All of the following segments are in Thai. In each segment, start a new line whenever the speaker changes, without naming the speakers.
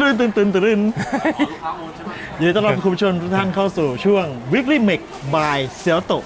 ตื่นยินดีต้อนรับคุณผู้ชมทุกท่านเข้าสู่ช่วง Weekly Mix by เซียวโต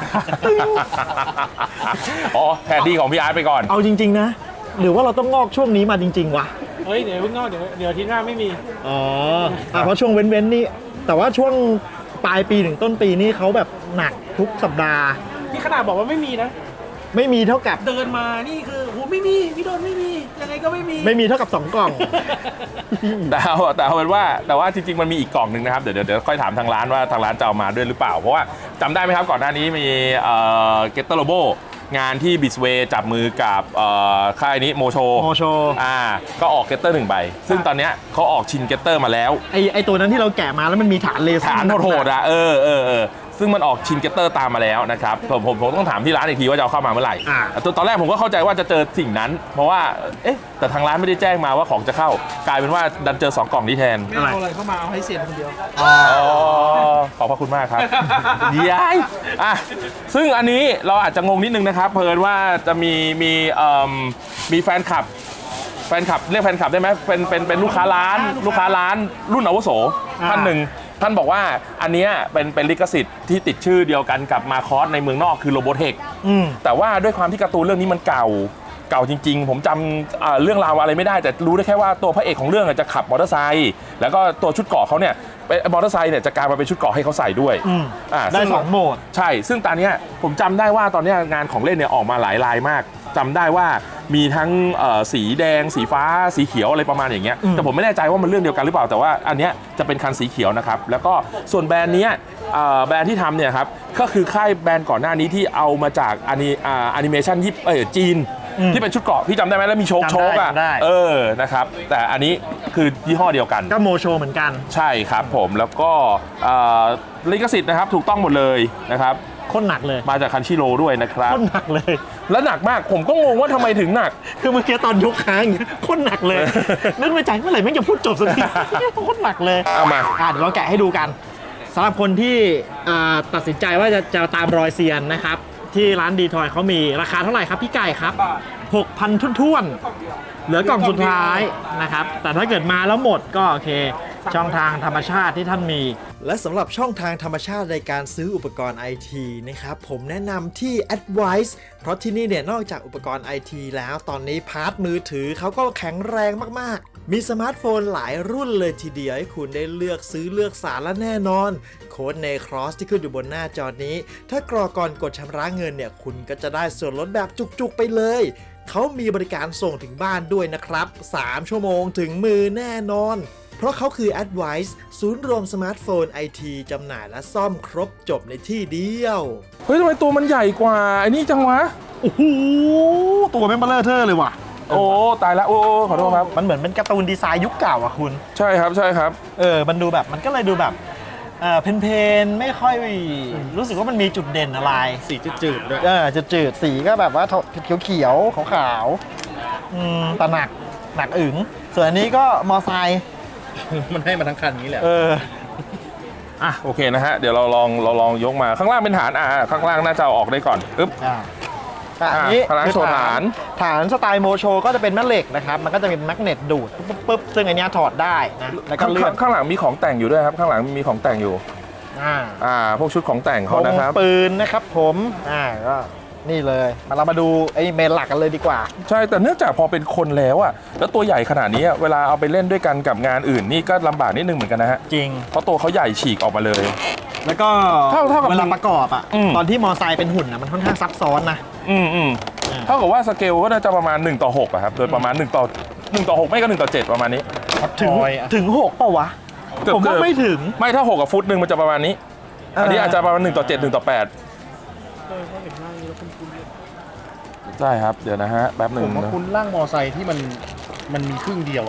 อ๋อแทนที่ของพี่อาร์ตไปก่อน
เอาจริงๆนะหรือว่าเราต้องงอกช่วงนี้มาจริงๆวะ
เฮ้ยเดี๋ยวเพิ่งนอกเดี๋ยวอาที่หน้าไม่มี
อ๋อเพราะช่วงเว้นๆนี่แต่ว่าช่วงปลายปีถึงต้นปีนี่เขาแบบหนักทุกสัปดาห์
นี่ขนาดบอกว่าไม่มีนะ
ไม่มีเท่ากับ
เดินมานี่คือโหไม่มีพี่โดนไม่มียังไงก็ไม่มี
ไม่มีเท่ากับ2กล่อง
แต่เอาเป็นว่าแต่ว่าจริงๆมันมีอีกกล่องหนึ่งนะครับเดี๋ยวค่อยถามทางร้านว่าทางร้านจะเอามาด้วยหรือเปล่าเพราะว่าจำได้ไหมครับก่อนหน้านี้มีเกตเตอร์โลโบงานที่บิสเวย์จับมือกับค่ายนี้โมโชก็ออกเกตเตอร์1 ใบซึ่งตอนเนี้ยเขาออกชินเกตเตอร์มาแล้ว
ไอตัวนั้นที่เราแกะมาแล้วมันมีฐานเลเซอร์
ฐานโหดๆอ่ะซึ่งมันออกชินเกตเตอร์ตามมาแล้วนะครับผมต้องถามที่ร้านอีกทีว่าจะเอาเข้ามาเมื่อไหร่ตอนแรกผมก็เข้าใจว่าจะเจอสิ่งนั้นเพราะว่าแต่ทางร้านไม่ได้แจ้งมาว่าของจะเข้ากลายเป็นว่าดันเจอ2 กล่องนี้แทน
ไม่เอาอะไรเข้ามาเอาให้เสียคนเดียว
ขอบพระคุณมากครับย้ายซึ่งอันนี้เราอาจจะงงนิดนึงนะครับเพลินว่าจะมีแฟนคลับเรียกแฟนคลับได้ไหมเป็นลูกค้าร้านรุ่นอาวุโสท่านหนึ่งท่านบอกว่าอันนี้เป็นลิขสิทธิ์ที่ติดชื่อเดียวกันกับมาคอสในเมืองนอกคือโรโบเทคแต่ว่าด้วยความที่การ์ตูนเรื่องนี้มันเก่าจริงๆผมจำเรื่องราวอะไรไม่ได้แต่รู้ได้แค่ว่าตัวพระเอกของเรื่องจะขับมอเตอร์ไซค์แล้วก็ตัวชุดเกราะเขาเนี่ยมอเตอร์ไซค์เนี่ยจะกลายมาเป็นชุดเกราะให้เขาใส่ด้วย
ได้2 โหมด
ใช่ซึ่งตอนนี้ผมจำได้ว่าตอนนี้งานของเล่นเนี่ยออกมาหลายลายมากจำได้ว่ามีทั้งสีแดงสีฟ้าสีเขียวอะไรประมาณอย่างเงี้ยแต่ผมไม่แน่ใจว่ามันเรื่องเดียวกันหรือเปล่าแต่ว่าอันเนี้ยจะเป็นคันสีเขียวนะครับแล้วก็ส่วนแบรนด์นี้แบรนด์ที่ทำเนี่ยครับก็คือค่ายแบรนด์ก่อนหน้านี้ที่เอามาจากแอนิเมชันจีนที่เป็นชุดเกราะพี่จำได้ไหมแล้วมีโชคอ่ะนะครับแต่อันนี้คือยี่ห้อเดียวกัน
ก็โมโชเหมือนกัน
ใช่ครับผมแล้วก็ลิขสิทธิ์นะครับถูกต้องหมดเลยนะครับ
โคตรหนักเลย
มาจากคันชิโร่ด้วยนะครับ
โคตรหนักเลย
แล้วหนักมากผมก็งงว่าทำไมถึงหนัก
คือเมื่อกี้ตอนยกค้างอย่างเงี้ยโคตรหนักเลยนึกในใจเมื่อไหร่แม่งจะพูดจบสักทีโคตรหนักเลย
เอามา
เดี๋ยวเราแกะให้ดูกันสำหรับคนที่ตัดสินใจว่าจะตามรอยเซียนนะครับที่ร้านดีทอยเขามีราคาเท่าไหร่ครับพี่ไก่ครับ 6,000 ทุ่นๆเหลือกล่องสุดท้ายนะครับแต่ถ้าเกิดมาแล้วหมดก็โอเคช่องทางธรรมชาติที่ท่านมีและสำหรับช่องทางธรรมชาติในการซื้ออุปกรณ์ IT นะครับผมแนะนำที่ Advice เพราะที่นี่เนี่ยนอกจากอุปกรณ์ IT แล้วตอนนี้พาร์ทมือถือเขาก็แข็งแรงมากๆมีสมาร์ทโฟนหลายรุ่นเลยทีเดียวให้คุณได้เลือกซื้อเลือกสารและแน่นอนโค้ดในครอสที่ขึ้นอยู่บนหน้าจอนี้ถ้ากรอกก่อนกดชำระเงินเนี่ยคุณก็จะได้ส่วนลดแบบจุกๆไปเลยเขามีบริการส่งถึงบ้านด้วยนะครับ3 ชั่วโมงถึงมือแน่นอนเพราะเขาคือ Advice ศูนย์รวมสมาร์ทโฟน IT จำหน่ายและซ่อมครบจบในที่เดียว
เฮ้ยทำไมตัวมันใหญ่กว่าไอ้นี่จังวะ
โอ้โหตัวแม่งเบลอเทอร์เลยว่ะ
โอ้ตายแล้วโอ้ขอโทษครับ
มันเหมือนเป็นการ์ตูนดีไซน์ยุคเก่าอ่ะคุณ
ใช่ครับ
มันดูแบบมันก็เลยดูแบบเพนไม่ค่อยรู้สึกว่ามันมีจุดเด่นอะไร
สีจืดๆด้วย
จืดสีก็แบบว่าเขียวขาวๆแต่หนักอึ๋งส่วนอันนี้ก็มอไซค์
มันให้มาทั้งคันนี้แหละ
โอเคนะฮะเดี๋ยวเราลองยกมาข้างล่างเป็นฐานข้างล่างน่าจะเอาออกได้ก่อน
อันนี้
คือฐาน
สไตล์โมโชก็จะเป็นแม่เหล็กนะครับมันก็จะเป็นแมกเนตดูดปุ๊บซึ่งอันนี้ถอดได้นะแล้วก็เลื่อน
ข้างหลังมีของแต่งอยู่ด้วยครับข้างหลังมีของแต่งอยู่พวกชุดของแต่งเขานะครับ
ปืนนะครับผมก็นี่เลยเรามาดูไอ้เมนหลักกันเลยดีกว่า
ใช่แต่เนื่องจากพอเป็นคนแล้วแล้วตัวใหญ่ขนาดนี้เวลาเอาไปเล่นด้วยกันกับงานอื่นนี่ก็ลำบากนิดนึงเหมือนกันนะฮะ
จริง
เพราะตัวเขาใหญ่ฉีกออกมาเลย
แล้วก็เท่ากับเวลาประกอบตอนที่มอไซค์เป็นหุ่นมันค่อนข้างซับซ้อนนะ
เท่ากับว่าสเกลก็น่าจะประมาณ1:6ครับโดยประมาณ1:6ไม่ก็1:7ประมาณนี้
ถึง6เปล่าวะผมว่าไม่ถึง
ไม่ถ้า6กับฟุตนึงมันจะประมาณนี้อันนี้อาจจะประมาณ1:7 1:8ใช่ครับเดี๋ยวนะฮะแป๊บหนึ่ง
ผมว่าคุณร่างมอไซค์ที่มันมีครึ่งเดียว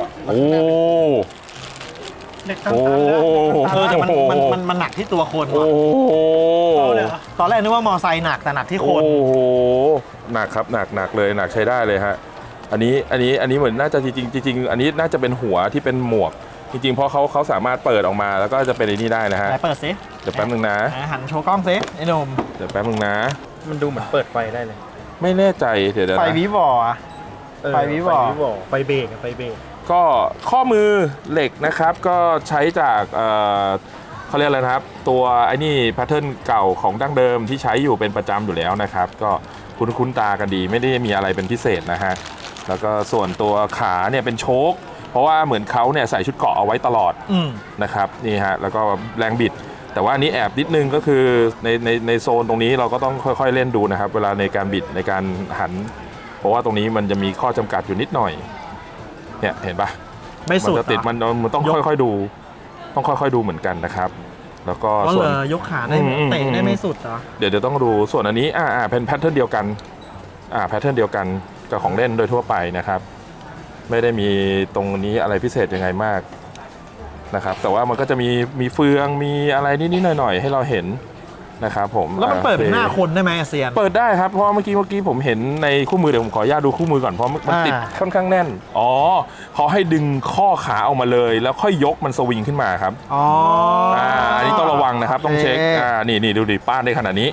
แต่มันหนักที่ตัวคนว่ะตอนแรกนึกว่ามอไซค์หนักแต่หนักที่คน
หนักครับหนักเลยหนักใช้ได้เลยฮะอันนี้เหมือนน่าจะจริงอันนี้น่าจะเป็นหัวที่เป็นหมวกจริงๆเพราะเขาสามารถเปิดออกมาแล้วก็จะเป็นไอ้นี่ได้นะฮะ
เปิดซิ
เดี๋ยวแป๊บนึงนะ
หันโชว์กล้องซิไอ้หนุ่ม
เดี๋ยวแป๊บนึงนะ
มันดูเหมือนเปิดไฟได้เลย
ไม่แน่ใจเดี๋ยว
ไฟวิวอไฟวิวอ
ไฟเบรก
ก็ข้อมือเหล็กนะครับก็ใช้จากเขาเรียกอะไรนะครับตัวไอ้นี่แพทเทิร์นเก่าของดั้งเดิมที่ใช้อยู่เป็นประจำอยู่แล้วนะครับก็คุ้นตากันดีไม่ได้มีอะไรเป็นพิเศษนะฮะแล้วก็ส่วนตัวขาเนี่ยเป็นโชคเพราะว่าเหมือนเขาเนี่ยใส่ชุดเกราะเอาไว้ตลอดนะครับนี่ฮะแล้วก็แรงบิดแต่ว่าอันนี้แอบนิดนึงก็คือในโซนตรงนี้เราก็ต้องค่อยๆเล่นดูนะครับเวลาในการบิดในการหันเพราะว่าตรงนี้มันจะมีข้อจำกัดอยู่นิดหน่อยเนี่ยเห็นปะ
ไม่สุด
จะติดมันต้องค่อยๆดูต้องค่อยๆดูเหมือนกันนะครับแล้วก็
ก็
ส่วน
เลยยกขาได้เตะได้ไม่สุดเหรอ
เดี๋ยวต้องดูส่วนอันนี้เป็นแพทเทิร์นเดียวกันแพทเทิร์นเดียวกันกับของเล่นโดยทั่วไปนะครับไม่ได้มีตรงนี้อะไรพิเศษยังไงมากนะครับแต่ว่ามันก็จะมีเฟืองมีอะไรนิดๆหน่อยๆให้เราเห็นนะครับผม
แล้วมันเปิดเป็นหน้าคนได้ไหมเซียน
เปิดได้ครับเพราะเมื่อกี้ผมเห็นในคู่มือเดี๋ยวผมขออนุญาตดูคู่มือก่อนเพราะมันติดค่อนข้างแน่นอ๋อเขาให้ดึงข้อขาออกมาเลยแล้วค่อยยกมันสวิงขึ้นมาครับอันนี้ต้องระวังนะครับต้องเช็คนี่ดูดิป้านได้ขนาดนี้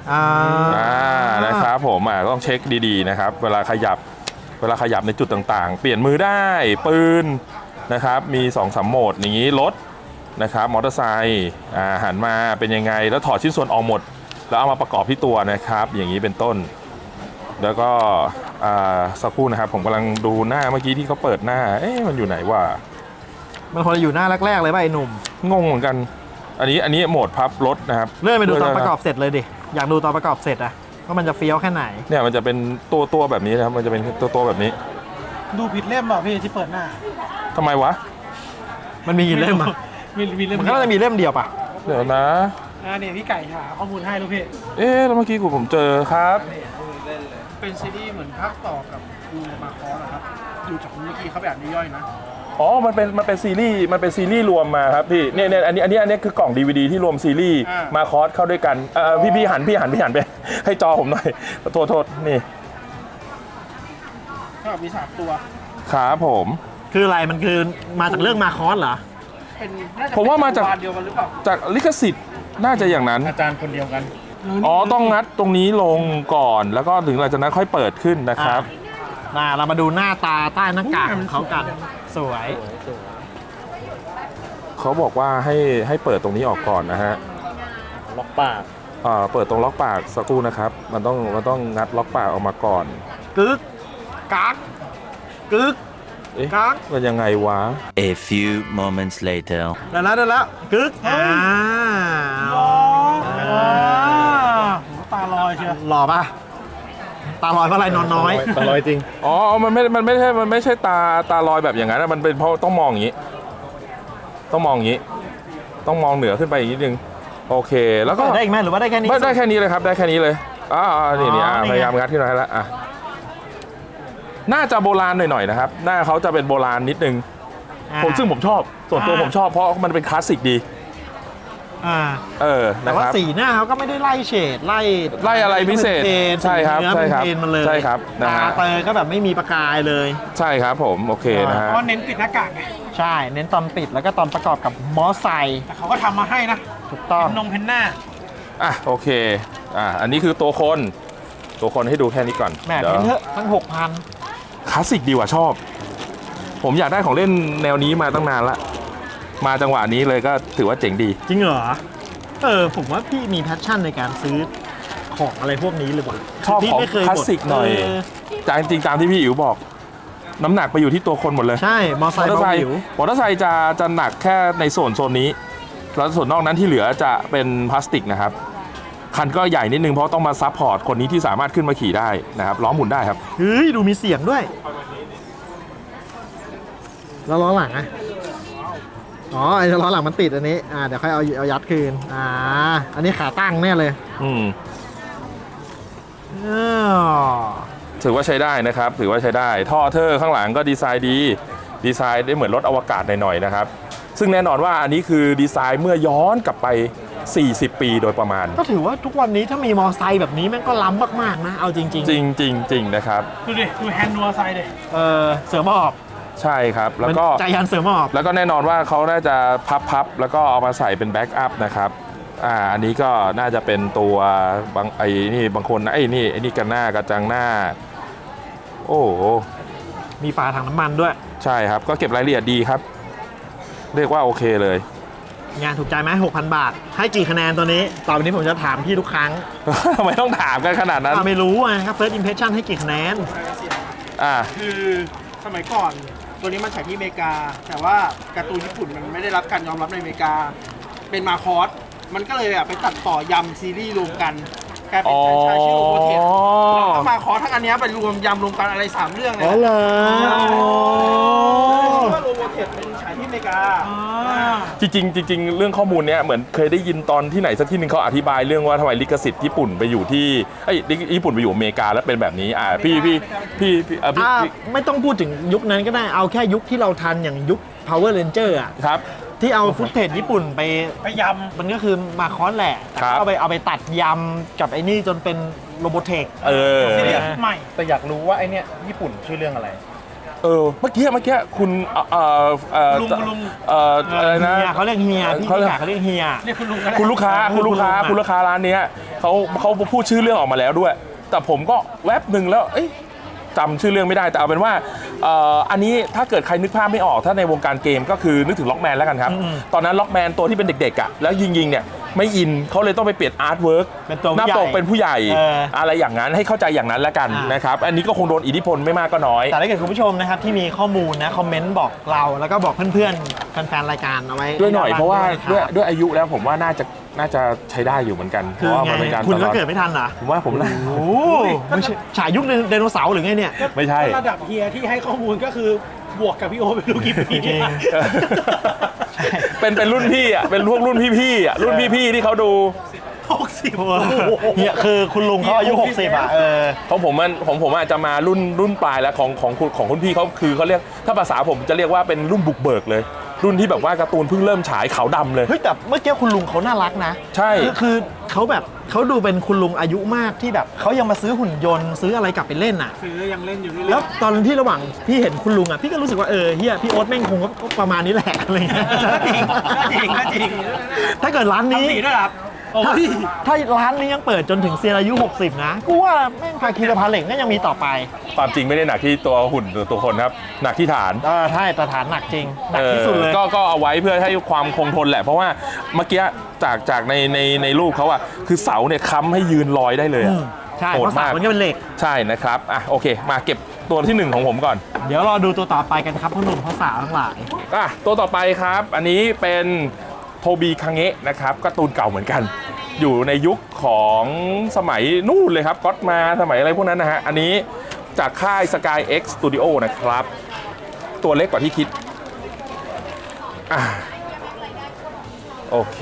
นะครับผมต้องเช็คดีๆนะครับเวลาขยับในจุดต่างๆเปลี่ยนมือได้ปืนนะครับมี2-3โหมดอย่างนี้รถนะครับมอเตอร์ไซค์หันมาเป็นยังไงแล้วถอดชิ้นส่วนออกหมดแล้วเอามาประกอบที่ตัวนะครับอย่างนี้เป็นต้นแล้วก็สักครู่นะครับผมกำลังดูหน้าเมื่อกี้ที่เขาเปิดหน้ามันอยู่ไหนวะ
มันคนอยู่หน้าแรกๆเลยป่ะไอ้หนุ่ม
งงเหมือนกันอันนี้โหมดพับรถนะครับ
เลื่อนไปดูตอนประกอบเสร็จเลยดิอยากดูตอนประกอบเสร็จอะว่ามันจะเฟี้ยวแค่ไหน
เนี่ยมันจะเป็นตัวแบบนี้นะครับมันจะเป็นตัวแบบนี้
ดูผิดเล่มเปล่าพี่ที่เปิดหน้า
ทำไมวะ
มันมีกี่เล่มอะ
มีเล่ม
มันก็จะมีเล่มเดียวป่ะ
เดี๋ยวนะ
เนี่ยพี่ไก่หาข้อมูลให้ลูกพี่
แล้วเมื่อกี้ผมเจอครับ
เป็นซีรีส์เหมือนภาคต่อกับดูมาคอสนะครับดูจากเมื่อกี้เขาแบบย่อยๆนะ
อ๋อมันเป็นซีรีส์รวมมาครับพี่เนี่ยอันนี้คือกล่อง DVD ที่รวมซีรีส์มาคอสเข้าด้วยกันพี่หันไปให้จอผมหน่อยโทษนี่
ก็มี3ตัว
ครับผม
คืออะไรมันคือมาจากเรื่องมาคอสเหรอ
ผมว่ามาจาก
เดียวกันหรือเปล่า
จากลิขสิทธิ์น่าจะอย่างนั้น
อาจารย์คนเดียวกัน
ต้องงัดตรงนี้ลงก่อนแล้วก็ถึงหลังจากนั้นค่อยเปิดขึ้นนะครับ
เรามาดูหน้าตาใต้หน้ากากของเขากันสวย
เขาบอกว่าให้เปิดตรงนี้ออกก่อนนะฮะ
ล็อกปาก
เปิดตรงล็อกปากสักครู่นะครับมันต้องงัดล็อกปากออกมาก่อน
กึกกักกึกกัก
มันยังไงวะ
A few moments later
ได้แล้วกึก
ตาลอยเชียว
หล่อป่ะตาลอยเพราะอะไรนอนน้อย
ตาลอยจริงมันไม่ใช่ตาลอยแบบอย่างนั้นมันเป็นเพราะต้องมองอย่างนี้ต้องมองเหนือขึ้นไปอีกนิดนึงโอเคแล้วก็
ได้อีกไหมหรือว่าได้แค่นี้
ได้แค่นี้เลยครับได้แค่นี้เลยนี่พยายามงัดขึ้นมาให้แล้วน่าจะโบราณหน่อยๆนะครับหน้าเขาจะเป็นโบราณนิดนึงซึ่งผมชอบส่วนตัวผมชอบเพราะมันเป็นคลาสสิกดี
แต่ว่าสีหน้าเขาก็ไม่ได้ไล่เฉดไล่
อะไรพิเศษใช่ครับ
มันเลย
ใช่ครับ
ตาเตยก็แบบไม่มีประกายเลย
ใช่ครับผมโอเคนะฮะ
เพราะเน้นปิดหน้ากากไง
ใช่เน้นตอนปิดแล้วก็ตอนประกอบกับมอไซค์
แต่เขาก็ทำมาให้นะ
ถูกต้อง
เพนหน้า
โอเคอันนี้คือตัวคนให้ดูแค่นี้ก่อน
แหมเยอะทั้ง 6,000
คลาสสิกดีว่ะชอบผมอยากได้ของเล่นแนวนี้มาตั้งนานละมาจังหวะนี้เลยก็ถือว่าเจ๋งดี
จริงเหรอผมว่าพี่มีแพชชั่นในการซื้อของอะไรพวกนี้เลยว่ะ
ชอบของคลาสสิกหน่อยจริงตามที่พี่อิ๋วบอกน้ำหนักไปอยู่ที่ตัวคนหมดเลย
ใช่มอเตอร์ไซค์
จะหนักแค่ในโซนนี้แล้วส่วนนอกนั้นที่เหลือจะเป็นพลาสติกนะครับคันก็ใหญ่นิดนึงเพราะต้องมาซัพพอร์ตคนนี้ที่สามารถขึ้นมาขี่ได้นะครับล้อหมุนได้ครับ
เฮ้ยดูมีเสียงด้วยแล้วล้อหลังไอ้ล้อหลังมันติดอันนี้เดี๋ยวค่อยเอายัดคืนอันนี้ขาตั้งแน่เลย
ถือว่าใช้ได้นะครับถือว่าใช้ได้ท่อเทอร์ข้างหลังก็ดีไซน์ได้เหมือนรถอวกาศหน่อยๆนะครับซึ่งแน่นอนว่าอันนี้คือดีไซน์เมื่อย้อนกลับไป40 ปีโดยประมาณ
ก็ถือว่าทุกวันนี้ถ้ามีมอไซค์แบบนี้แม่งก็ล้ำมากๆนะเอาจริง
นะครับ
ดูแฮนด์มอไซค์ดิ
เสือหมอบ
ใช่ครับแล้วก็
ใจยันเสือหมอบ
แล้วก็แน่นอนว่าเขาน่าจะพับแล้วก็เอามาใส่เป็นแบ็กอัพนะครับอันนี้ก็น่าจะเป็นตัวบางคนไอ้นี่กันหน้ากระจังหน้าโอ้
มีฝาถังน้ำมันด้วย
ใช่ครับก็เก็บรายละเอียดดีครับ เรียกว่าโอเคเลย
งานถูกใจไหม 6,000 บาท ให้กี่คะแนนตัวนี้ ต่อไปนี้ผมจะถามพี่ทุกครั้ง
ทำไมต้องถามกันขนาดนั้น
ไม่รู้ไงครับ first impression ให้กี่คะแนน
อ่า
คือสมัยก่อนตัวนี้มันฉายที่อเมริกา แต่ว่าการ์ตูนญี่ปุ่นมันไม่ได้รับการยอมรับในอเมริกา เป็นมาคอสมันก็เลยแบบไปตัดต่อยำซีรีส์รวมกันกลายเป็นแฟรนไชส์ชื่อโรโบเทสแล้วก็มาคอสทั้งอันเนี้ยไปรวมยำรวมกันอะไร3เรื่องเลย
อ๋อเหรอ
ว่าโรโบเทสเป็นฉายที่อเมริกา
จริงๆจริงๆเรื่องข้อมูลเนี้ยเหมือนเคยได้ยินตอนที่ไหนสักที่หนึ่งเขาอธิบายเรื่องว่าทำไมลิขสิทธิ์ญี่ปุ่นไปอยู่ที่ญี่ปุ่นไปอยู่อเมริกาแล้วเป็นแบบนี้พี่
ไม่ต้องพูดถึงยุคนั้นก็ได้ เอาแค่ยุคที่เราทันอย่างยุค Power Ranger อ่ะ
ครับ
ที่เอาฟุตเทจญี่ปุ่นไป
ย
มันก็คือมาคอนแหละแต่
ครับ
ก็เอาไปตัดยำกับไอ้นี่จนเป็นโรโบเทค
ำซีรีส์ใหม่
แต่อยากรู้ว่าไอเนี้ยญี่ปุ่นชื่อเรื่องอะไร
เมื่อกี้คุณ
ลุง
อะไรนะ
เฮียเขาเรียกเฮียพี่
เขาเรียก
กาเขาเรียกเฮีย
เรียกคุณลุงก็ได้
คุณลูกค้าร้านเนี้ยเขาพูดชื่อเรื่องออกมาแล้วด้วย แต่ผมก็แวบหนึ่งแล้วจำชื่อเรื่องไม่ได้แต่เอาเป็นว่าอันนี้ถ้าเกิดใครนึกภาพไม่ออกถ้าในวงการเกมก็คือนึกถึงล็อกแมนแล้วกันครับ ตอนนั้นล็อกแมนตัวที่เป็นเด็กๆอ่ะแล้วยิงเนี่ยไม่อินเขาเลยต้องไปเปลี่ยนอาร์ตเวิร์ก
เป็นตัว
หน้าปกเป็นผู้ใหญ่ อะไรอย่างนั้นให้เข้าใจอย่างนั้นแล้วกันนะครับอันนี้ก็คงโดนอิทธิพลไม่มากก็น้อย
แต่ถ้าเกิดคุณผู้ชมนะครับที่มีข้อมูลนะคอมเมนต์บอกเราแล้วก็บอกเพื่อนๆแฟนๆรายการเอาไว้
ด้วยหน่อยเพราะว่า
ด้
ด้วยอายุแล้วผมว่าน่าจะใช้ได้อยู่เหมือนกัน
คือ
เพราะว่า
ไง
มันเป็นการ
คุณก็
ตลอด
เกิดไม่ทันเหรอ
ผมว่าผมน่า
โอ้ไม่ใช่ฉายยุคไดโนเสาร์หรือไงเนี่ย
ไม่ใช่
ระดับเฮียที่ให้ข้อมูลก็คือบวกกับพี่โอเป็นลูกกี่ปี
จริง
เป็นรุ่นพี่อ่ะเป็นพวกรุ่นพี่ๆอ่ะรุ่นพี่ๆที่เขาดู
เฮียคือคุณลุงเขาอายุ 60 อ่ะ
ของผมอาจจะมารุ่นปลายแล้วของคุณพี่เขาคือเขาเรียกถ้าภาษาผมจะเรียกว่าเป็นรุ่นบุกเบิกเลย รุ่นที่แบบว่าการ์ตูนเพิ่งเริ่มฉายขาวดำเลย
เฮ้ยแต่เมื่อกี้คุณลุงเขาน่ารักนะ
ใช่
คือเขาแบบเขาดูเป็นคุณลุงอายุมากที่แบบเขายังมาซื้อหุ่นยนต์ซื้ออะไรกลับไปเล่นอ่ะ
ซื้อยังเล่นอยู่นี่
แล้วตอนที่ระหว่างพี่เห็นคุณลุงอ่ะพี่ก็รู้สึกว่าเฮียพี่โอ๊ตแม่งคงก็ประมาณนี้แหละอะไรเงี้ย
จริง
ถ้าเกิดร้านนี้
ทำสีด้วยครับโอ้ย
ถ้าร้านนี้ยังเปิดจนถึงเซียนอายุ 60 นะกูว่าแม่งภาคีสะพานเหล็กก็ยังมีต่อไป
ความจริงไม่ได้หนักที่ตัวหุ่นหรือตัวคนครับหนักที่ฐาน
ใช่แต่ฐานหนักจริงหนักที่สุดเลย
ก็เอาไว้เพื่อให้ความคงทนแหละ เพราะว่าเมื่อกี้จากในรูปเขาอะคือเสาเนี่ยค้ำให้ยืนลอยได้เลยอะ
ใช่
โห
เพ
ด
ราะสาม
าก
มันก็เป็นเหล็ก
ใช่นะครับโอเค มาเก็บตัวที่ 1 ของผมก่อน
เดี๋ยวรอดูตัวต่อไปกันครับพ่อหนุ่มพ่อสาวทั้งหลาย
ตัวต่อไปครับ อันนี้เป็นโทบีคังเงะนะครับการ์ตูนเก่าเหมือนกัน อยู่ในยุคของสมัยนู่นเลยครับก็อตมาสมัยอะไรพวกนั้นนะฮะอันนี้จากค่าย Sky X Studio นะครับตัวเล็กกว่าที่คิดโอเค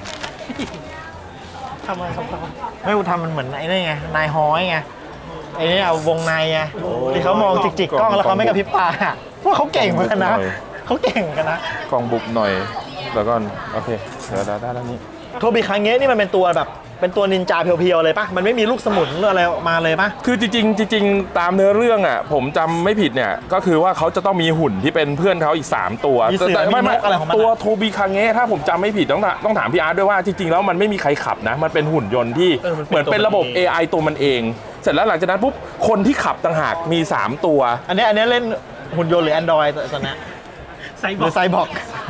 ทำอะไรครับ
ไม่กูทำมันเหมือนไอ้นี่ไงนายฮ้อยไงไอ้นี่เอาวงในไงที่เขามองจิกๆกล้องแล้วเขาไม่กระพริบตาพวกเขาเก่งเหมือนกันนะเขาเก่งกันนะ
กล่องบุกหน่อยแล้วก็โอเคเดี๋ยวได้แล้วนี่
โทบิคังเงะนี่มันเป็นตัวแบบเป็นตัวนินจาเพียวๆเลยปะมันไม่มีลูกสมุนหรืออะไรออกมาเลยปะ
คือจริงๆตามเนื้อเรื่องอ่ะผมจำไม่ผิดเนี่ยก็คือว่าเขาจะต้องมีหุ่นที่เป็นเพื่อนเขาอีก 3 ตัว
มีเสือมีนกอะไรของมัน
ตัวโทบีคังเงะถ้าผมจำไม่ผิดต้องถามพี่อาร์ตด้วยว่าจริงๆแล้วมันไม่มีใครขับนะมันเป็นหุ่นยนต์ที่เหมือนเป็นระบบ AI ตัวมันเอง เสร็จแล้วหลังจากนั้นปุ๊บคนที่ขับต่างหากมี 3 ตัว
อันนี้เล่นหุ่นยนต์หรือ Android ตอนนี้
ไซ
ห
บอ
รื
ร์
อไซบอร์ก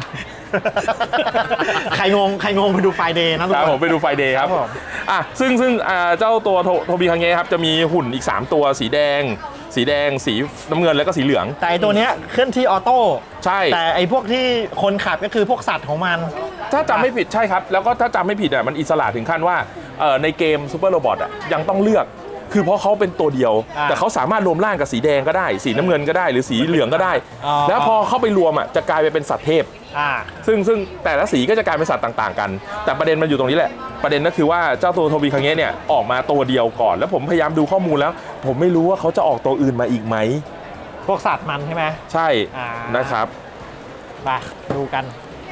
ใครงงไปดูไฟเดย์นะทุก
ครับ
ค
ผม
น
ไปดูไฟเดย์ครับ
ครับผม
ซึ่งเจ้าตัวโทบีคังเงะครับจะมีหุ่นอีก 3 ตัวสีแดง สีน้ำเงินแล้วก็สีเหลือง
แต่ไอ้ตัวเนี้ยเคลื่อนที่ออโต้
ใช่
แต่ไอ้พวกที่คนขับก็คือพวกสัตว์ของมัน
ถ้าจำไม่ผิดใช่ครับ แล้วก็ถ้าจำไม่ผิดอ่ะมันอิสระถึงขั้นว่าในเกมซูเปอร์โรบอทอ่ะยังต้องเลือก คือเพราะเขาเป็นตัวเดียว แต่เขาสามารถรวมร่างกับสีแดงก็ได้ สีน้ำเงินก็ได้หรือสีเหลืองก็ได้ แล้วพอเข้าไปรวมอ่ะจะกลายไปเป็นสัตว์เทพ ซึ่งแต่ละสีก็จะกลายเป็นสัตว์ต่างๆกัน แต่ประเด็นมันอยู่ตรงนี้แหละประเด็นก็คือว่าเจ้าตัวโทบีคังเงะเนี่ยออกมาตัวเดียวก่อนแล้วผมพยายามดูข้อมูลแล้ว ผมไม่รู้ว่าเขาจะออกตัวอื่นมาอีกไหม
พวกสัตว์มันใช่ไหม
ใช่
อ่า
นะครับ
มาดูกัน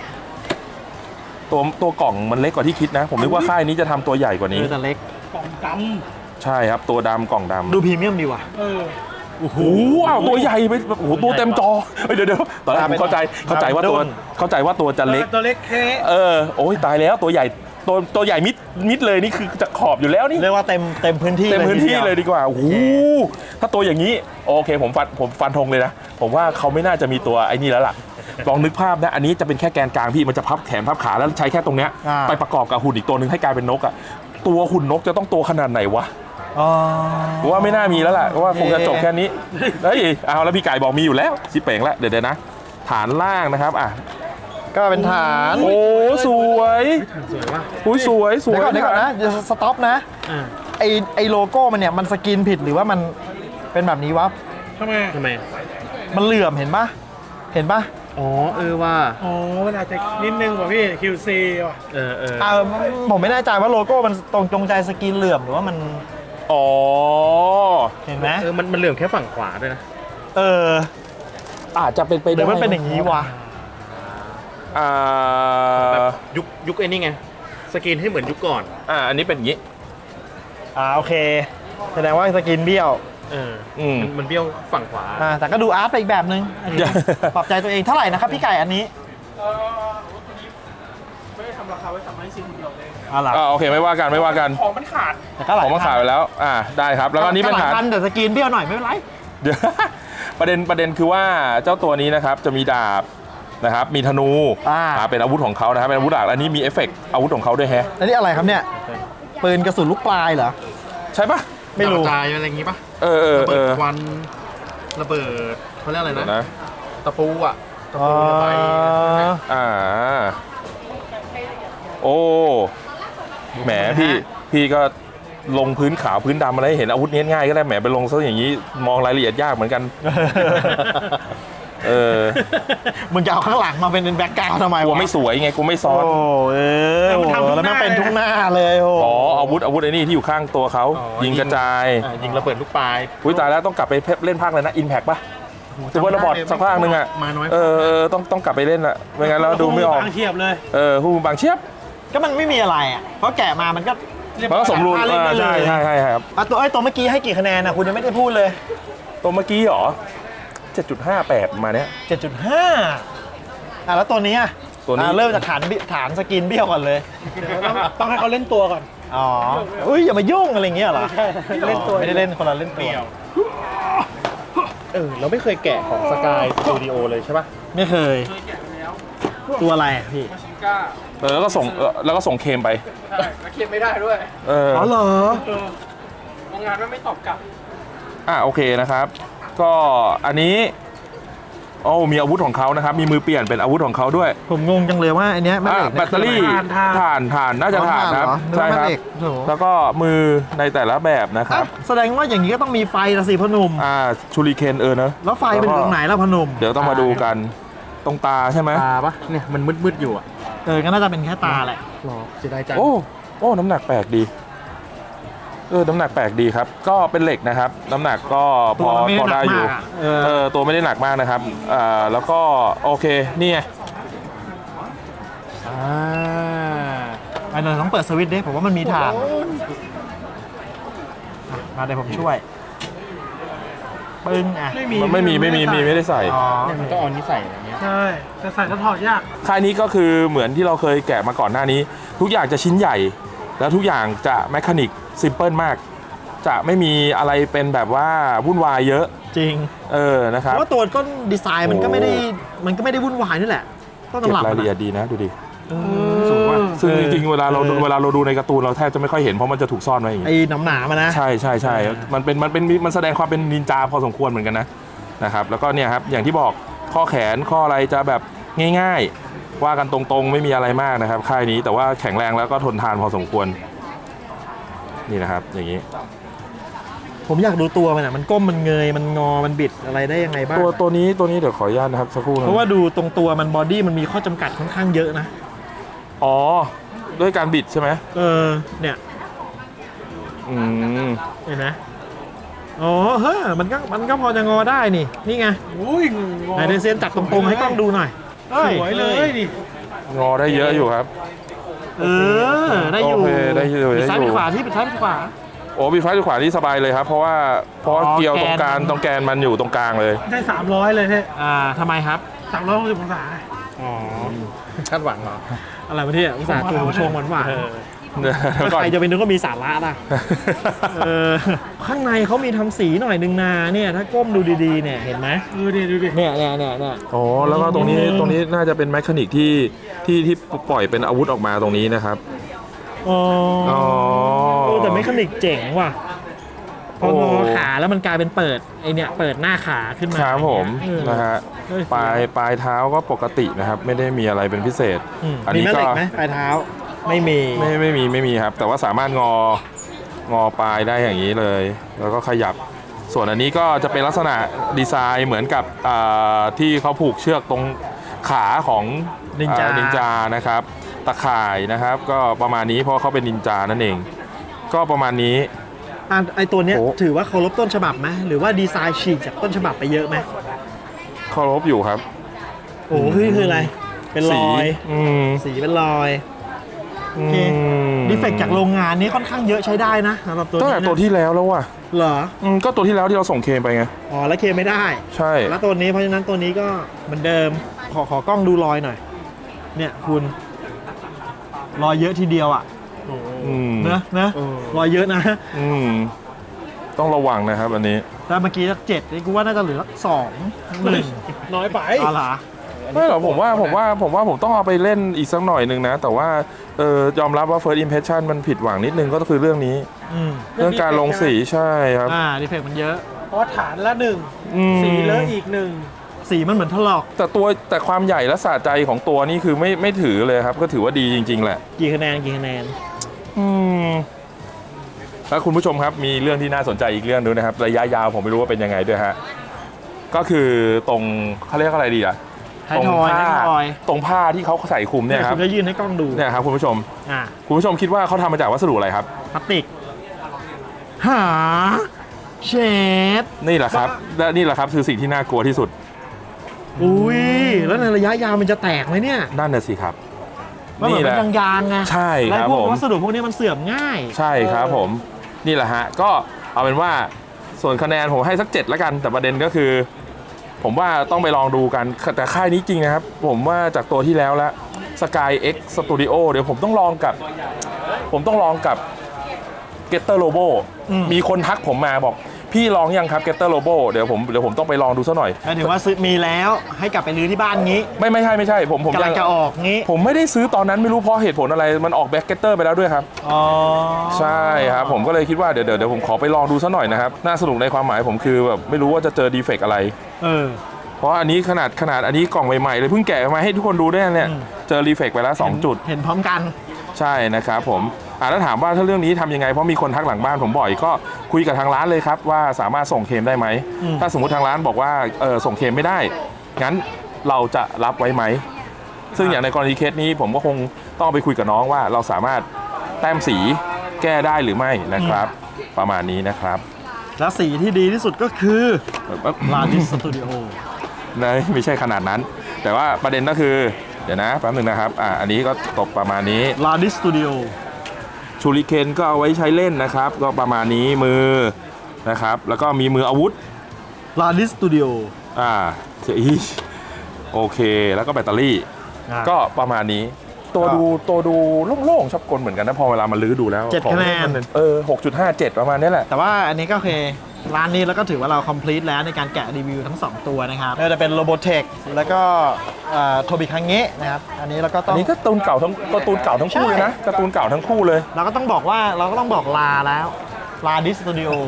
ตัวกล่องมันเล็กกว่าที่คิดนะ ผมนึกว่าค่ายนี้จะทำตัวใหญ่กว่านี้
แต่เล็ก
กล่องด
ใช่ครับตัวดำกล่องดำ
ดูพรีเมียมดีว่ะ
ำ
โอ้โหอ้าวตัวใหญ่ไปโอ้โหตัวเต็มจอเดี๋ยวตอนแรกผมเข้าใจว่าตัวจะเล็ก
ตัวเล็กแค่
โอ้ยตายแล้วตัวใหญ่ตัวใหญ่มิดเลยนี่คือจะขอบอยู่แล้วนี่
เรียกว่าเต็มพื้นที่
เต็มพื้นที่
ทีดีว
เลยดีกว่าโอ้โหถ้าตัวอย่างนี้โอเคผมฟันธงเลยนะผมว่าเขาไม่น่าจะมีตัวไอ้นี่แล้วล่ะลองนึกภาพนะอันนี้จะเป็นแค่แกนกลางพี่มันจะพับแขนพับขาแล้วใช้แค่ตรงเนี้ยไปประกอบกับหุ่นอีกตัวหนึ่งให้กลายเป็นนกอ่ะตัวหุ่นนกจะต้องตัวขนาดไหนวะ
อ๋อ
ผมว่าไม่น่ามีแล้วล่ะเพราะว่าคงจะจบแค่นี้เฮ้ยเอาแล้วพี่ไก่บอกมีอยู่แล้วชิเป่งแล้วเดี๋ยวนะฐานล่างนะครับอ่ะ
ก็เป็นฐาน
โอ้สวย
สวยว่ะ
อุ้ยสวย
เดี๋ยวก่อนนะเดี๋ยวสต็อปนะไอโลโก้มันเนี่ยมันสกรีนผิดหรือว่ามันเป็นแบบนี้วะ
ทำไม
ทำไม
มันเหลื่อมเห็นปะเห็นปะ
อ๋อว่า
อ๋อมันอาจจะนิดนึงกว่าพี่ QC ว่ะ
ผมไม่แน่ใจว่าโลโก้มันตรงจงใจสกรีนเหลื่อมหรือว่ามัน
อ๋อ
เห็นไหม
มันเหลื่อมแค่ฝั่งขวาด้วยนะ
อาจจะเป็นไป
หรื
ได้
อมันเป็นอย่างนี้วะ
แบบยุคไอ้นี่ไงสกรีนให้เหมือนยุคก่อน
อันนี้เป็นอย่างนี้
โอเคแสดงว่าสกรีนเบี้ยว
มันเบี้ยวฝั่งขวา
แต่ก็ดูอาร์ตไปอีกแบบนึงอันนี้ ปรับใจตัวเองเท่าไหร่นะครับพี่ไก่อันนี้
ไม่ได้ทำราคาไว้3ให้ซีคนเดียวเลย
หลัก
โอเคไม่ว่ากัน
ของมันขาด
แต่ก็หลา
ข
ย
องมาขายไปแล้วได้ครับแล้วก็อันนี้เป็น
หลา
ฐายน
พันแต่สกรีนเบี้ยวหน่อยไม่เป็นไร
เดี๋ยว ประเด็นคือว่าเจ้าตัวนี้นะครับจะมีดาบนะครับมีธนูเป็นอาวุธของเขานะครับเป็นอาวุธหลักอันนี้มีเอฟเฟกต์อาวุธของเขาด้วยแฮะ
อันนี้อะไรครับเนี่ยปืนกระสุนลูกปลายเหรอ
ใช่ปะ
ไม่รู้
กระจายอะไรอย่างงี้ปะ
ระ
ระเบิดควันระเบิดเขาเรียกอะไรนะ ตะปูอ่ะตะปูระบาย
โอ้แหมพี่ก็ลงพื้นขาวพื้นดำอะไรเห็นอาวุธนี้ง่ายก็ได้แหมไปลงซะอย่างนี้มองรายละเอียดยากเหมือนกัน
มึงจะเอาข้างหลังมาเป็นแบ็คกราวด์ทำไม
กลัว
วะ
ไม่สวยไงกูไม่ซ้อน
แล้วมันเป็นทุกหน้าเลยโอ้
อาวุธไอ้นี่ที่อยู่ข้างตัวเขายิงกระจาย
ยิงระเบิดลูกปลาย
อุ้ยตายแล้วต้องกลับไปเล่นภาคเลยนะอินแพคป่ะจะว่าระบอดสักภาคนึงอ่ะ
มาน้อย
ต้องกลับไปเล่นละไม่งั้นเราดูไม่ออก
บางเทียบเลย
ผู้บางเชียบ
ก็มันไม่มีอะไรอ่ะเพราะแกะมามันก็
มันก็สมรูป
เล่นได้เลย
ใช่ครับ
ตัวเมื่อกี้ให้กี่คะแนนนะคุณยังไม่ได้พูดเลย
ตัวเมื่อกี้เหรอ 7.58 มาเนี้ย
7.5แล้วตัวนี้
ตัวนี้
เริ่มจากฐานสกินเบี้ยวก่อนเลย
ต้องให้เขาเล่นตัวก่อน
อ๋ออุ้ยอย่ามายุ่งอะไรเงี้ยเหรอ
ใช่เล่นตัว
ไม่ได้เล่นคนละเล่นตัว
เราไม่เคยแกะของสกายสตูดิโอเลยใช่ปะ
ไม่เคย
เคยแกะไปแล้ว
ตัวอะไรอะพี่
มาชิงก้า
แล้วก็ส่งเคมไป
ใช่แล้วเคลียร์ไม่ได้ด้วย
อ๋อเหรอ
โรงงานไม่ตอบกลับ
โอเคนะครับ ก็อันนี้มีอาวุธของเขานะครับมีมือเปลี่ยนเป็นอาวุธของเขาด้วย
ผมงงจังเลยว่าอันเนี้ยแม่เหล็ก
แบตเตอรี่ ถ่านน่าจะถ่านครับ
ใช่
ใช่ครับ
โอ้โห
แล้วก็มือในแต่ละแบบนะครับ
แสดงว่าอย่างนี้ก็ต้องมีไฟละสิพอหนุ่ม
ชูริเคนเนอะ
แล้วไฟเป็นตรงไหนแล้วพอหนุ่ม
เดี๋ยวต้องมาดูกันตรงตาใช่ไหม
ตาปะเนี่ยมันมืดๆอยู่อ่ะ
ก็น่าจะเป็นแค่ตาแหละ
หรอเสียดายจัง
โอ้น้ำหนักแปลกดีน้ำหนักแปลกดีครับ ก็เป็นเหล็กนะครับ น้ำหนักก็พอได้อยู่ตัวไม่ได้หนักมากนะครับแล้วก็โอเคนี่ไง
อันนั้นต้องเปิดสวิตช์ดิผมว่ามันมีฐานมาเดี๋ยวผมช่วยปึ้ง
มันไม่ได้ใส่
เนี่ยมันก็เอานี้ใส่อย่างเงี้ย
ใช่แต่ใส่แล้วถอดยาก
ค่ายนี้ก็คือเหมือนที่เราเคยแกะมาก่อนหน้านี้ ทุกอย่างจะชิ้นใหญ่ แล้วทุกอย่างจะแมคานิกซิมเพิลมาก จะไม่มีอะไรเป็นแบบว่าวุ่นวายเยอะ
จริง
นะครับ
เพราะว่าตัวต้นดีไซน์มันก็ไม่ได้วุ่นวายนี่แหละต้น
เก็บ
ตำรับ
รายละเอียดดีนะดูดิ
สูงว่ะ
ซึ่งจริงๆเวลาเราดูในการ์ตูนเราแทบจะไม่ค่อยเห็นเพราะมันจะถูกซ่อนไว้อย่างนี้
ไอ้หนามานะ
ใช่มันแสดงความเป็นนินจาพอสมควรเหมือนกันนะครับแล้วก็เนี่ยครับอย่างที่บอกข้อแขนข้ออะไรจะแบบง่ายๆว่ากันตรงๆไม่มีอะไรมากนะครับค่ายนี้แต่ว่าแข็งแรงแล้วก็ทนทานพอสมควรนี่นะครับอย่างนี้
ผมอยากดูตัวมันอ่ะมันก้มมันเงยมันงอมันบิดอะไรได้ยังไงบ้าง
ตัวนี้เดี๋ยวขออนุญาตนะครับสักครู่นะ
เพราะว่าดูตรงตัวมันบอดี้มันมีข้อจำกัดค่อนข้างเยอะนะ
อ๋อด้วยการบิดใช่ไหม
เนี่ย
อืม
เห็นไหมอ๋อเฮ้ยมันก็พอจะงอได้นี่ไง
อุ้ย
ไหนเดซเซียนจับตรงๆให้กล้องดูหน่อย
สวยเลยดิ
งอได้เยอะอยู่ครับ
ได้อยู่
โอเคได้อยู่
ปิดซ้ายปิดขวาที่ปิดซ้ายปิดขวา
โอ้บีไฟขวานี่สบายเลยครับเพราะว่าเกี่ยวตรงกลางตรงแกนมันอยู่ตรงกลางเลย
ได้300เลยเท่
ทำไมครับ
360องศา
อ๋อ
คาดหวังเหรอ
อะไรมาที่อุตส่าห์ตัวชงหวาน
แล้วก็
ใครจะไปนึกว่ามีสาระล่ะข้างในเขามีทำสีหน่อยนึงนาเนี่ยถ้าก้มดูดีๆเนี่ยเห็นไหมเนี่ยดูดิเนี่ย
โอ้แล้วก็ตรงนี้น่าจะเป็นแมคานิกที่ปล่อยเป็นอาวุธออกมาตรงนี้นะครับ
อ๋อ
อ๋อ
แต่เมคานิกเจ๋งว่ะพองอขาแล้วมันกลายเป็นเปิดไอเนี่ยเปิดหน้าขาขึ้นมา
ครับผม
เออ
นะฮะ
เออ
ปลายเท้าก็ปกตินะครับ ไม่ได้มีอะไรเป็นพิเศษ อัน
มี
นี้
แม่เห
ก็
ล็กไหมปลายเท้าไม่มี
ไม่มีครับ แต่ว่าสามารถงอปลายได้อย่างนี้เลย แล้วก็ขยับ ส่วนอันนี้ก็จะเป็นลักษณะดีไซน์เหมือนกับที่เขาผูกเชือกตรงขาของ
นินจา
นินจานะครับตะข่ายนะครับ ก็ประมาณนี้เพราะเขาเป็นนินจานั่นเอง ก็ประมาณนี้
ไอตัวเนี้ย
โอ้
ถือว่าเคารพต้นฉบับไหมหรือว่าดีไซน์ฉีกจากต้นฉบับไปเยอะไหม
เคารพอยู่ครับ
โอ้คืออะไรเป็นรอย สีเป็นรอยโอเคดีเฟกต์จากโรงงานนี้ค่อนข้างเยอะใช้ได้นะสำหรับตัว
ตั้ง
นี้
แต่
นะ
ตัวที่แล้วแล้วว่ะ
เหรอ
ก็ตัวที่แล้วที่เราส่งเคมไปไง
อ๋อแล้วเคไม่ได้
ใช่
แล้วตัวนี้เพราะฉะนั้นตัวนี้ก็เหมือนเดิมขอกล้องดูรอยหน่อยเนี่ยคุณรอยเยอะทีเดียวอ่ะ
อืม
นะรอยเยอะนะ
อืมต้องระวังนะครับอันนี้
แต่เมื่อกี้สัก7นี่กูว่าน่าจะเหลือสัก2
น้อยไป
1อ๋อเหรอ
ไม่หรอกผมว่าผมต้องเอาไปเล่นอีกสักหน่อยหนึ่งนะ แต่ว่ายอมรับว่า first impression มันผิดหวังนิดนึงก็คือเรื่องนี้ เรื่องการลงสีใช่ครับ
ดีเฟกต์มันเยอะ
เพราะฐานละหนึ่ง
อืม
สีเลอะอีกหนึ่ง
สีมันเหมือนถลอก
แต่ความใหญ่และสะใจของตัวนี่คือไม่ถือเลยครับ ก็ถือว่าดีจริง ๆ แหละ
กี่คะแนน
อืมแล้วคุณผู้ชมครับมีเรื่องที่น่าสนใจอีกเรื่องนึงนะครับระยะยาวผมไม่รู้ว่าเป็นยังไงด้วยฮะก็คือตรงเขาเรียกอะไรดีอะ
ท้ายทอย
ตรงผ้าที่เขาใส่คลุมเนี่ยครับ
คุณก็ยื่นให้กล้องดู
เนี่ยครับคุณผู้ชม
อ่า
คุณผู้ชมคิดว่าเขาทำมาจากวัสดุอะไรครับ
พลาสติกหาเชด
นี่แหละครับและนี่แหละครับคือสิ่งที่น่ากลัวที่สุด
อุ้ยแล้วในระยะยาวมันจะแตกไหมเนี่ย
นั่นน่ะสิครับ
มันเหมือน
แห
เป็
ละ
นยางๆไง
ใช่ครับ
แล้วพว
ผ
ก
ม
วัสดุพวกนี้มันเสื่อมง่าย
ใช่ครับผมนี่แหละฮะก็เอาเป็นว่าส่วนคะแนนผมให้สัก7แล้วกันแต่ประเด็นก็คือ ผมว่าต้องไปลองดูกันแต่ค่ายนี้จริงนะครับ ผมว่าจากตัวที่แล้วแล้ว Sky X Studio เดี๋ยวผมต้องลองกับ Getter Robo มีคนทักผมมาบอกพี่ลองยังครับ Getter Robo เดี๋ยวผมต้องไปลองดูซะหน่อย
หมายถึงว่าซื้อมีแล้วให้กลับไปรื้อที่บ้านงี้
ไม่ใช่ผม
กำลังจะออกงี้
ผมไม่ได้ซื้อตอนนั้นไม่รู้เพราะเหตุผลอะไรมันออกแบ็กเกตเตอร์ไปแล้วด้วยครับ
อ๋อ
ใช่ครับผมก็เลยคิดว่าเดี๋ยวผมขอไปลองดูซะหน่อยนะครับน่าสนุกในความหมายผมคือแบบไม่รู้ว่าจะเจอดีเฟกต์อะไร เพราะอันนี้ขนาดอันนี้กล่องใหม่ๆเลยเพิ่งแกะมาให้ทุกคนดูได้เนี่ยเจอรีเฟกต์ไปแล้ว2จุด
เห็นพร้อมกัน
ใช่นะครับผมแล้วถามว่าถ้าเรื่องนี้ทำยังไงเพราะมีคนทักหลังบ้านผมบ่อยก็คุยกับทางร้านเลยครับว่าสามารถส่งเคลมได้ไหมถ้าสมมุติทางร้านบอกว่าส่งเคลมไม่ได้งั้นเราจะรับไว้ไหมซึ่งอย่างในกรณีเคสนี้ผมก็คงต้องไปคุยกับน้องว่าเราสามารถแต้มสีแก้ได้หรือไม่นะครับ ประมาณนี้นะครับ
แล้วสีที่ดีที่สุดก็คือลาดิสสตูดิโอ
ไม่ใช่ขนาดนั้น แต่ว่าประเด็นก็คือเดี๋ยวนะแป๊บนึงนะครับอันนี้ก็ตกประมาณนี้
ลาดิสสตูดิโอ
ชูริเคนก็เอาไว้ใช้เล่นนะครับ ก็ประมาณนี้มือนะครับ แล้วก็มีมืออาวุธ
ลาดิสสตูดิโอ
โอเคแล้วก็แบตเตอรี่ ก็ประมาณนี้ตัวดูโล่งๆชอบกลเหมือนกันนะพอเวลามันลื้อดูแล้ว
7 คะแนน
6.57 ประมาณนี้แหละ
แต่ว่าอันนี้ก็โอเคร้านนี้แล้วก็ถือว่าเรา complete แล้วในการแกะรีวิวทั้ง 2 ตัวนะครับไม่ว่าจะเป็น Robotech แล้วก็โทบิคังเงะนะครับอันนี้เราก็ต้อง
อันนี้ก็การ์ตูนเก่าทั้งคู่เลยนะการ์ตูนเก่าทั้งคู่เลย
เราก็ต้องบอกลาแล้วลาดิสสตูดิโอ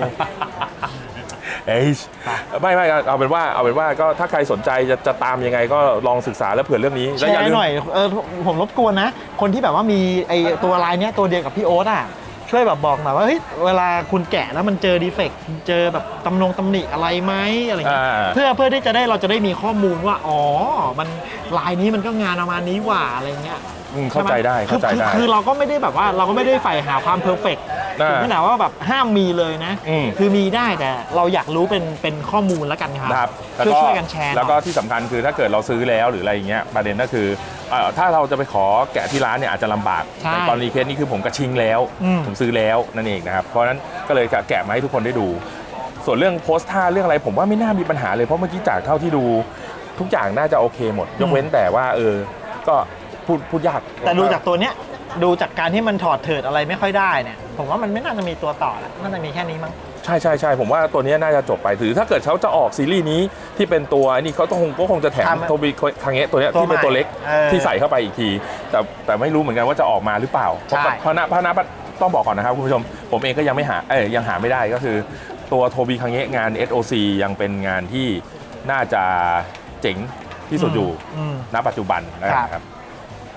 ไม่เอาเป็นว่าก็ถ้าใครสนใจจะตามยังไงก็ลองศึกษาแล้วเผื่อเรื่องนี้
แชร์หน่อยผมรบกวนนะ คนที่แบบว่ามีไอตัวลายเนี้ยตัวเดียวกับพี่โอ๊ตอ่ะช่วยแบบบอกหน่อยว่าเฮ้ยเวลาคุณแกะแล้วมันเจอดีเฟกต์เจอแบบตำหนิอะไรไหมอะไรเงี้ยเพื่อที่เราจะได้มีข้อมูลว่าอ๋อมันลายนี้มันก็งานประมาณนี้หว่าอะไรเงี้ย
เข้าใจได้
คือเราก็ไม่ได้แบบว่าเราก็ไม่ได้ใฝ่หาความเพอร์เฟกต์ถึงขนาดว่าแบบห้ามมีเลยนะ คือมีได้แต่เราอยากรู้เป็นข้อมูลแล้วกันครับช่วยกันแชร์
แล้วก็ที่สำคัญคือถ้าเกิดเราซื้อแล้วหรืออะไรอย่างเงี้ยประเด็นก็คือถ้าเราจะไปขอแกะที่ร้านเนี่ยอาจจะลำบากในตอนนี้เคสนี้คือผมกระชิงแล้วผมซื้อแล้วนั่นเองนะครับเพราะฉะนั้นก็เลยแกะมาให้ทุกคนได้ดู ส่วนเรื่องโพสท่าเรื่องอะไรผมว่าไม่น่ามีปัญหาเลยเพราะเมื่อกี้จากเท่าที่ดูทุกอย่างน่าจะโอเคหมดยกเว้นแต่ว่าก็พูดยาก
แต่ดูจากตัวเนี้ยดูจากการที่มันถอดเถิดอะไรไม่ค่อยได้เนี่ยผมว่ามันไม่น่าจะมีตัวต่อแล้วน่าจะมีแค่นี้มั้ง
ใช่ผมว่าตัวนี้น่าจะจบไปหรือถ้าเกิดเขาจะออกซีรีส์นี้ที่เป็นตัวนี่เขาก็คงจะแถมโทบิคังเงะตัวเนี้ยที่เป็นตัวเล็กที่ใส่เข้าไปอีกทีแต่ไม่รู้เหมือนกันว่าจะออกมาหรือเปล่าเพราะนะต้องบอกก่อนนะครับคุณผู้ชมผมเองก็ยังหาไม่ได้ก็คือตัวโทบิคังเงะงาน SOC ยังเป็นงานที่น่าจะเจ๋งที่สุดอยู่ณปัจจุบันนะครับ